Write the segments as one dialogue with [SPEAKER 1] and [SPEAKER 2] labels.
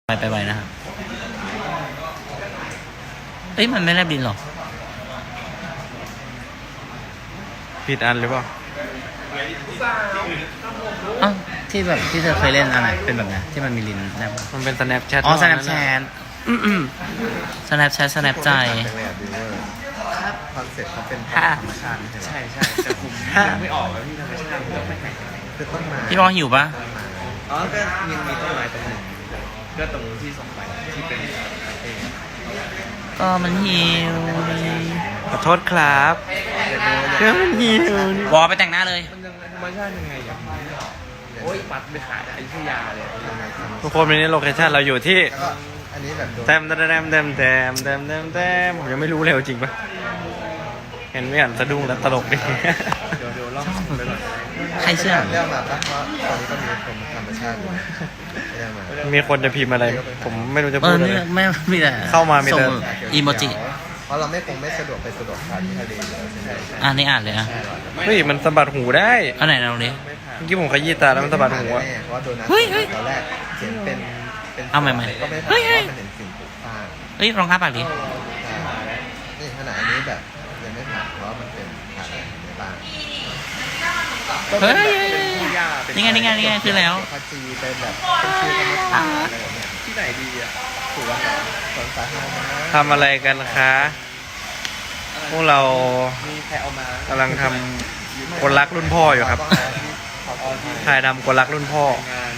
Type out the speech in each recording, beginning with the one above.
[SPEAKER 1] ไปไวนะครับเอ้ยมันไม่แลบดินหรอ
[SPEAKER 2] ผิดอันหรือเปล่า
[SPEAKER 1] อ้าวที่แบบที่เธอเคยเล่นอะไรเป็นแบบไหนที่มันมีลิ้นแลบ
[SPEAKER 2] มันเป็น Snapchat
[SPEAKER 1] อ๋อ Snapchat Snap ใจ
[SPEAKER 3] ครับคอนเซ็ปต์เขาเป็นธรรมชาติใช่ใช่แต่ผมยังไม่ออกแล้วที่ธรรมชาติต้องไปไหนคือต้นไม้
[SPEAKER 1] พี่บอลหิวปะ
[SPEAKER 3] อ๋อก็ยังมีต้นไม้ตรงหนึ่งก็ตรงที่ส่งไปที่เป็น
[SPEAKER 1] ก็มันหิว
[SPEAKER 2] ขอโทษครับเรื่องมันหิว
[SPEAKER 1] วอไปแต่งหน้าเลย
[SPEAKER 3] มันยังธรรมชาติยังไงอย่างโอ้ยปัดไปขายอยุธยาเลย
[SPEAKER 2] ทุกคนวันนี้โลเคชั่นเราอยู่ที่
[SPEAKER 3] อันนี้แบบ
[SPEAKER 2] แต้มผมยังไม่รู้เลยจริงปะเห็นไม่อ่านสะดุ้งแล้วตลกดิ
[SPEAKER 3] เดี๋ยวลองไปก่อน
[SPEAKER 1] ใครเชื่อ
[SPEAKER 3] เรื่องมาปะเพราะตอนนี้ก็มีคนธรรมชาติอยู่
[SPEAKER 2] มีคนจะพิมพ์อะไรผมไม่รู้จะพูดอะไร
[SPEAKER 1] ไม่มีแต่
[SPEAKER 2] เข้ามามีแต่
[SPEAKER 1] อีโมจิ
[SPEAKER 3] เพราะเราไม่สะดวกไปสะดวกทานที่ทะเลอยู่แล้วใช่ไหม
[SPEAKER 1] นี่อ่านเลยอ่ะ
[SPEAKER 2] เฮ้ยมันสะบัดหูได้
[SPEAKER 1] อันไหนเราดิ
[SPEAKER 2] เมื่อกี้ผมขยี้ตาแล้วมันสะบัดหูอ่ะ
[SPEAKER 3] เพราะว่าโดนัทตอนแรกเขียนเป็น
[SPEAKER 1] เอาใหม่
[SPEAKER 3] ก็ไม่ผ่านเพราะมันเห็นสิ่งปลูกสร้าง
[SPEAKER 1] เฮ้ยลองอ้าปากดิ
[SPEAKER 3] นี่ขนาดอันนี้แบบยังไม่ผ่านเพราะมันเป็นผ่านอะไรในบ้าน
[SPEAKER 1] เฮ้ยนี่ไงคือแล้ว
[SPEAKER 3] พัจีเป็นแบบเป็นชื่อธรรมชาติอะไรแบบนี้ที่ไหนดีอ่ะถูกป่ะสวนสาธารณะ
[SPEAKER 2] ทำอะไรกันคะพวกเรากำลังทำคนรักรุ่นพ่ออยู่ครับถ่ายทำคนรักรุ่นพ่อ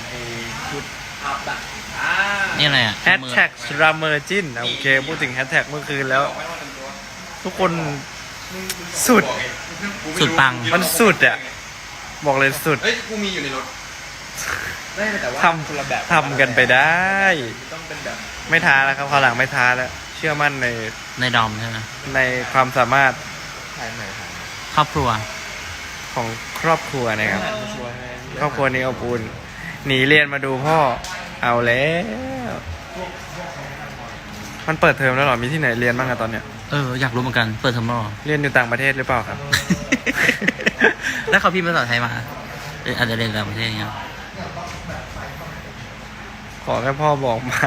[SPEAKER 1] นี่อะไรอ่ะ
[SPEAKER 2] แฮชแท็กราเมอร์จินโอเคพูดถึงแฮชแท็กเมื่อคืนแล้วทุกคนสุด
[SPEAKER 1] ปัง
[SPEAKER 2] มันสุดอ่ะบอกเลยสุด
[SPEAKER 3] เฮ้ยกูมีอยู่ในรถ
[SPEAKER 2] ทำกันไปได้ไม่ท้าแล้วครับคราวหลังไม่ท้าแล้วเชื่อมั่น
[SPEAKER 1] ในดอมใช่ไหม
[SPEAKER 2] ในความสามารถ
[SPEAKER 1] ครอบครัว
[SPEAKER 2] ของครอบครัวนะครับครอบครัวนี้อบอุ่นหนีเรียนมาดูพ่อเอาแล้วมันเปิดเทอมแล้วหรอมีที่ไหนเรียนบ้างอะตอนเนี้ย
[SPEAKER 1] อยากรู้เหมือนกันเปิดเทอมแล้ว
[SPEAKER 2] เรียนอยู่ต่างประเทศหรือเปล่าครับ
[SPEAKER 1] แล้วเขาพิมพ์ภาษาไทยมาอาจจะเรียนต่างประเทศเงี้ย
[SPEAKER 2] ขอแค่พ่อบอกมา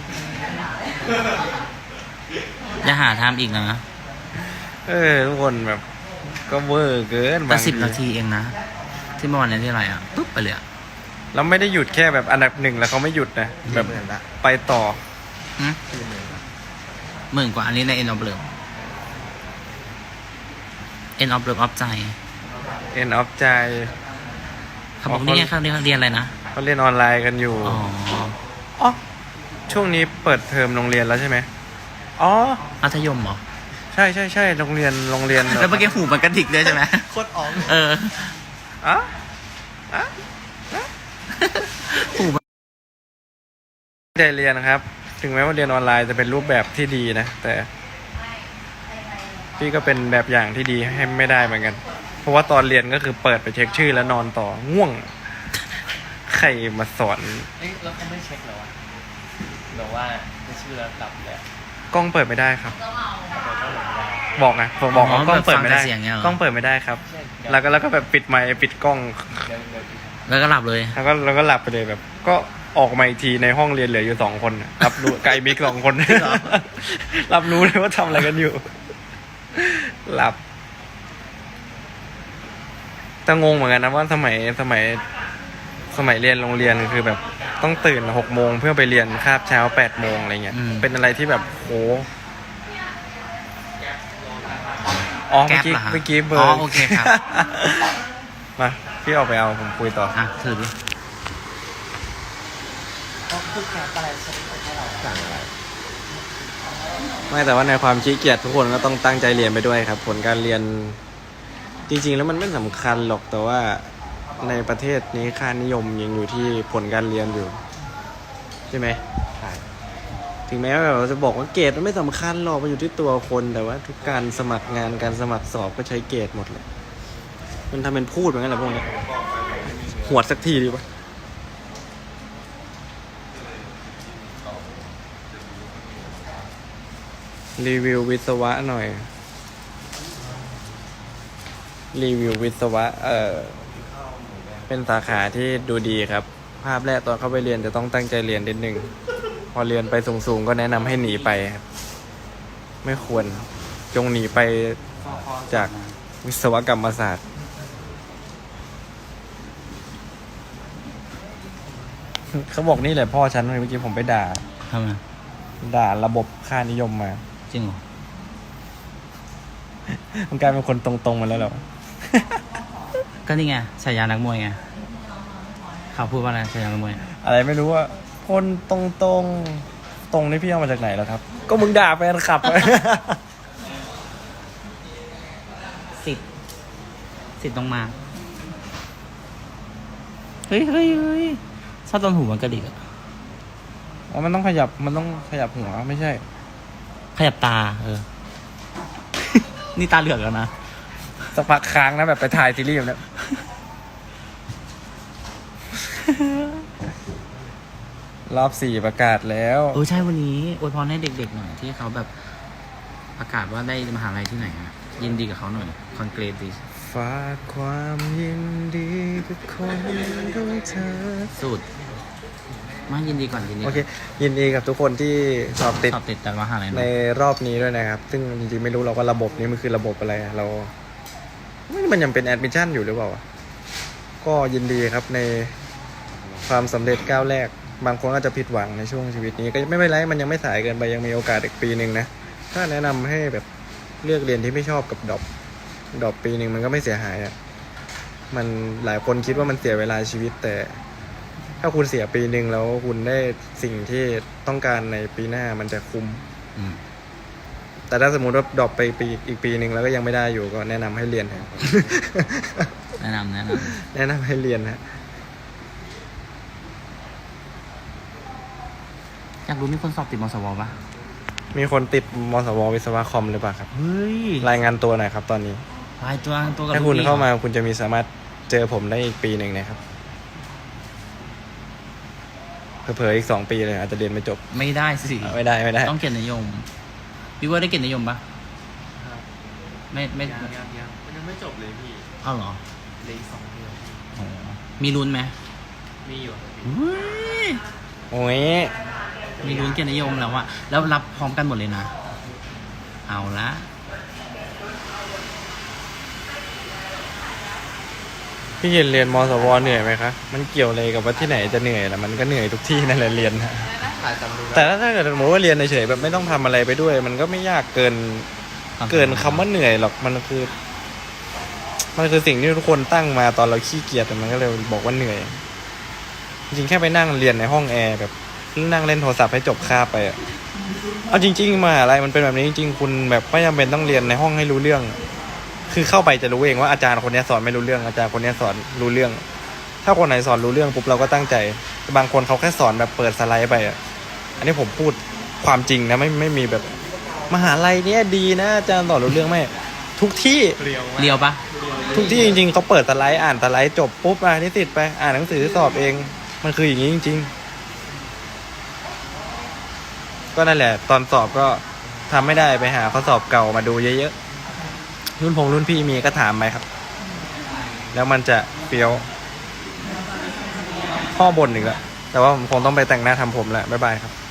[SPEAKER 1] อย่าหาทำอีกนะ
[SPEAKER 2] ทุกคนแบบก็เวอร์เกิน
[SPEAKER 1] แต่10 นาทีเองนะที่เมื่อวานนี้ที่อะไรอ่ะปุ๊บไปเลย
[SPEAKER 2] แล้วไม่ได้หยุดแค่แบบอันดับ1แล้วเขาไม่หยุดนะแบบไปต่อ
[SPEAKER 1] หมื่นกว่าอันนี้ใน End of Love End of Love ใจ
[SPEAKER 2] End of ใจ
[SPEAKER 1] เขาบอกนี่ไงเขาเรียนอะไรนะ
[SPEAKER 2] เขาเรียนออนไลน์กันอยู่อ๋อช่วงนี้เปิดเทอมโรงเรียนแล้วใช่ไหม
[SPEAKER 1] มัธยมเหรอ
[SPEAKER 2] ใช่โรงเรียน
[SPEAKER 1] แล้วเมื่อกี้หูมันกระดิกเลยใช่ไหม
[SPEAKER 3] โคตรอ๋อง
[SPEAKER 1] หู
[SPEAKER 2] ใจเรียนครับถึงแม้ว่าเรียนออนไลน์จะเป็นรูปแบบที่ดีนะแต่พี่ก็เป็นแบบอย่างที่ดีให้ไม่ได้เหมือนกันเพราะว่าตอนเรียนก็คือเปิดไปเช็คชื่อแล้วนอนต่อง่วงใครมาสอน
[SPEAKER 3] แล้วเขาไม่เช็คหรอวะหรือว่าชื่อแล้วหลับเลย
[SPEAKER 2] กล้องเปิดไม่ได้ครับบอกไงผมบอกว่ากล้องเปิดไม่ได้กล้องเปิดไม่ได้ครับแล้วก็แบบปิดไมค์ปิดกล้อง
[SPEAKER 1] แล้วก็หลับเลย
[SPEAKER 2] แล้วก็หลับไปเลยแบบก็ออกมาอีกทีในห้องเรียนเหลืออยู่2 คนรับรู้ไกลบิ๊ก2 คนรับรู้เลยว่าทำอะไรกันอยู่หลับแต่งงเหมือนกันนะว่าสมัยเรียนโรงเรียนคือแบบต้องตื่น6 โมงเพื่อไปเรียนคาบเช้า8 โมงอะไรเงี้ยเป็นอะไรที่แบบโหเมื่อกี้เบอร์
[SPEAKER 1] โอเคครับ
[SPEAKER 2] มาพี่ออกไปเอาผมคุยต่อ
[SPEAKER 1] ถือดิ
[SPEAKER 3] พูดแก๊ปอะไรให้เราสั่งอะไร
[SPEAKER 2] ไม่แต่ว่าในความขี้เกียจทุกคนก็ต้องตั้งใจเรียนไปด้วยครับผลการเรียนจริงๆแล้วมันไม่สำคัญหรอกแต่ว่าในประเทศนี้ค่านิยมยังอยู่ที่ผลการเรียนอยู่ใช่ไหมใช่ถึงแม้ว่าเราจะบอกว่าเกรดมันไม่สำคัญหรอกมันอยู่ที่ตัวคนแต่ว่าทุกการสมัครงานการสมัครสอบก็ใช้เกรดหมดเลยมันทำเป็นพูดเหมือนกันแหละพวกนี้หวดสักทีดีป่ะรีวิววิศวะหน่อยรีวิววิศวะเป็นสาขาที่ดูดีครับภาพแรกตอนเข้าไปเรียนจะต้องตั้งใจเรียนนิดนึงพอเรียนไปสูงๆก็แนะนำให้หนีไปครับไม่ควรจงหนีไปจากวิศวกรรมศาสตร์เขาบอกนี่แหละพ่อฉันเมื่อกี้ผมไปด่า
[SPEAKER 1] ทำไม
[SPEAKER 2] ด่าระบบค่านิยมมา
[SPEAKER 1] จริงเหรอ
[SPEAKER 2] มันกลายเป็นคนตรงๆมาแล้วเหรอ
[SPEAKER 1] ก็นี่ไงฉายานักมวยไงเขาพูดว่าอะไรฉายานักมวย
[SPEAKER 2] อะไรไม่รู้ว่าคนตรงนี่พี่เอามาจากไหนแล้วครับ ก็มึงด่าแฟนคลับ
[SPEAKER 1] สิทธิ์ต้องมาเฮ้ยชอบตอนหูมันกระดิกอะ
[SPEAKER 2] อ๋อมันต้องขยับหัวไม่ใช่
[SPEAKER 1] ขยับตานี่ตาเหลือกแล้วนะ
[SPEAKER 2] สักพักค้างนะแบบไปถ่ายซีรีส์แบบเนี้ย รอบ 4ประกาศแล้ว
[SPEAKER 1] ใช่วันนี้อวยพรให้เด็กๆหน่อยที่เขาแบบประกาศว่าได้มหาลัยที่ไหนอะยินดีกับเขาหน่อยคอนเกรสดิ
[SPEAKER 2] ฝากความยินดีกับคนของเธอ
[SPEAKER 1] สุดมายินดีก่อนยินดี
[SPEAKER 2] โอเค ยินดีกับทุกคนที่สอบติด
[SPEAKER 1] สอบติดแต่มหาลัย
[SPEAKER 2] ใน
[SPEAKER 1] เนาะ
[SPEAKER 2] รอบนี้ด้วยนะครับ ซึ่งจริงๆไม่รู้เราว่าระบบนี้มันคือระบบอะไรอะเรามันยังเป็นแอดมิชชั่นอยู่หรือเปล่า ก็ยินดีครับในความสำเร็จก้าวแรก บางคนก็จะผิดหวังในช่วงชีวิตนี้ก็ไม่เป็นไรมันยังไม่สายเกินไปยังมีโอกาสอีกปีหนึ่งนะถ้าแนะนำให้แบบเลือกเรียนที่ไม่ชอบกับดรอปปีหนึ่งมันก็ไม่เสียหายอ่ะมันหลายคนคิดว่ามันเสียเวลาชีวิตแต่ถ้าคุณเสียปีหนึ่งแล้วคุณได้สิ่งที่ต้องการในปีหน้ามันจะคุ้ม
[SPEAKER 1] อืม
[SPEAKER 2] แต่ถ้าสมมติว่าดรอปไปอีกปีหนึ่งแล้วก็ยังไม่ได้อยู่ก็แนะนำให้เรียนครับ
[SPEAKER 1] แนะนำ
[SPEAKER 2] แนะนำให้เรียนฮะ
[SPEAKER 1] อยากรู้มีคนสอบติดมสวปะ
[SPEAKER 2] มีคนติดมสววิศวะคอมหรือเปล่าครับ
[SPEAKER 1] เฮ้ย
[SPEAKER 2] รายงานตัวหน่อยครับตอนนี้
[SPEAKER 1] ลายตัวกับ
[SPEAKER 2] ถ้าคุณ
[SPEAKER 1] ลูกพี่
[SPEAKER 2] เข้ามาคุณจะมีสามารถเจอผมได้อีกปีหนึ่งนะครับเผลอๆอีก2 ปีเลยอาจจะเรียนไม่จบ
[SPEAKER 1] ไม่ได้สิ
[SPEAKER 2] ไม่ได้
[SPEAKER 1] ต้องเกียรตินิยมพี่ว่าได้เกียรตินิยมปะไม่
[SPEAKER 3] ยังมันยังไม่จบเลยพี่
[SPEAKER 1] เอาเหรอ
[SPEAKER 3] เหลย2 เดือน
[SPEAKER 1] อ๋อมีลุ้นไหม
[SPEAKER 3] มีอยู่ครับพี่
[SPEAKER 1] เฮ้ย
[SPEAKER 2] โอ้ย
[SPEAKER 1] มีลุ้นเกียรตินิยมแล้วอะแล้วรับพร้อมกันหมดเลยนะ เอาละ
[SPEAKER 2] พี่เย็นเรียนมสวเหนื่อยไหมคะมันเกี่ยวอะไรกับว่าที่ไหนจะเหนื่อยล่ะมันก็เหนื่อยทุกที่นั่นแหละเรียนนะ
[SPEAKER 3] ถ่ายจำดู
[SPEAKER 2] แต่ถ้าเกิดสมมติว่าเรียนเฉยๆแบบไม่ต้องทำอะไรไปด้วย มันก็ไม่ยากเกินคำว่าเหนื่อยหรอกมันคือสิ่งที่ทุกคนตั้งมาตอนเราขี้เกียจแต่มันก็เลยบอกว่าเหนื่อย จริงๆแค่ไปนั่งเรียนในห้องแอร์แบบนั่งเล่นโทรศัพท์ให้จบคาบไปอะเอาจริงๆมาอะไรมันเป็นแบบนี้จริงๆคุณแบบไม่จำเป็นต้องเรียนในห้องให้รู้เรื่อง คือเข้าไปจะรู้เองว่าอาจารย์คนนี้สอนไม่รู้เรื่องอาจารย์คนนี้สอนรู้เรื่อง ถ้าคนไหนสอนรู้เรื่องปุ๊บเราก็ตั้งใจแต่บางคนเขาแค่สอนแบบเปิดสไลด์ไปอะอันนี้ผมพูดความจริงนะไม่มีแบบมหาลัยเนี้ยดีนะอาจารย์สอนรู้เรื่องไหมทุกที่
[SPEAKER 3] เรียวมาก
[SPEAKER 1] เรียวปะ
[SPEAKER 2] ทุกที่จริงๆเขาเปิดสไลด์อ่านสไลด์จบปุ๊บนิสิตไปอ่านหนังสือสอบเองมันคืออย่างนี้จริงๆก็นั่นแหละตอนสอบก็ทำไม่ได้ไปหาข้อสอบเก่ามาดูเยอะๆรุ่นพี่มีก็ถามไปครับ แล้วมันจะเฟี้ยวพ่อบ่นอีกแล้วแต่ว่าผมคงต้องไปแต่งหน้าทำผมแหละบ๊ายบายครับ